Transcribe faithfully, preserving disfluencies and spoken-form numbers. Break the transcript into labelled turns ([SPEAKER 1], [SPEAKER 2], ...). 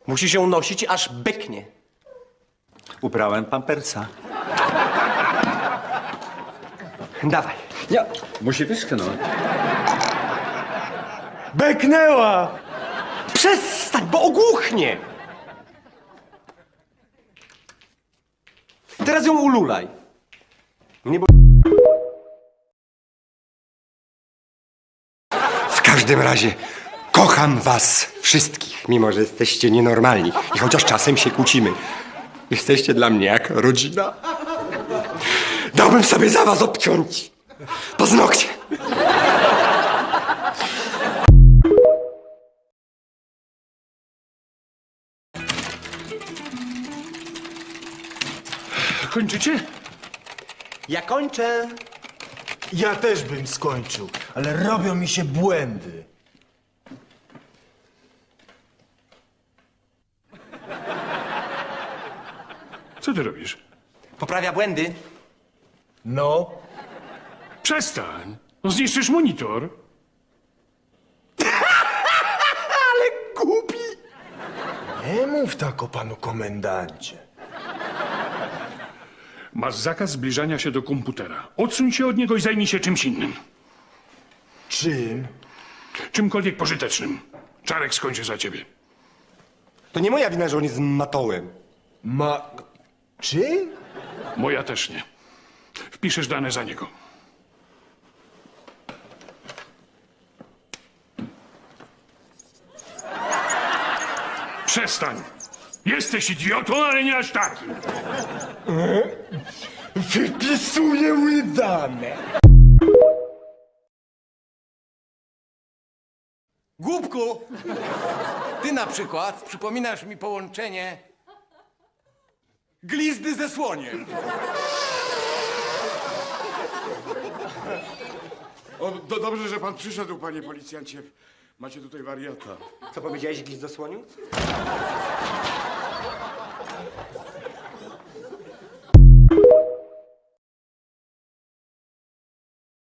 [SPEAKER 1] Musi się nosić, aż beknie.
[SPEAKER 2] Ubrałem pampersa.
[SPEAKER 1] Dawaj.
[SPEAKER 2] Nie, musi wyschnąć.
[SPEAKER 1] Beknęła! Przestań, bo ogłuchnie! Teraz ją ululaj. Nie bo...
[SPEAKER 3] W każdym razie kocham was wszystkich, mimo że jesteście nienormalni i chociaż czasem się kłócimy. Jesteście dla mnie jak rodzina. Dałbym sobie za was obciąć paznokcie.
[SPEAKER 4] Kończycie?
[SPEAKER 1] Ja kończę.
[SPEAKER 5] Ja też bym skończył, ale robią mi się błędy.
[SPEAKER 4] Co ty robisz?
[SPEAKER 1] Poprawia błędy.
[SPEAKER 5] No,
[SPEAKER 4] Przestań! No zniszczysz monitor.
[SPEAKER 1] Głupi.
[SPEAKER 5] nie mów tak o panu komendancie.
[SPEAKER 4] Masz zakaz zbliżania się do komputera. Odsuń się od niego i zajmij się czymś innym.
[SPEAKER 5] Czym?
[SPEAKER 4] Czymkolwiek pożytecznym. Czarek skończy za ciebie.
[SPEAKER 3] To nie moja wina, że on jest matołem.
[SPEAKER 5] Ma... Czym?
[SPEAKER 4] Moja też nie. Wpiszesz dane za niego. Przestań! Jesteś idiotą, ale nie aż taki.
[SPEAKER 5] Wypisuję mi dane.
[SPEAKER 6] Głupku, ty na przykład przypominasz mi połączenie glizdy ze słoniem.
[SPEAKER 7] O, do, dobrze, że pan przyszedł, panie policjancie. Macie tutaj wariata.
[SPEAKER 3] Co powiedziałeś, Gwizdosłoniu?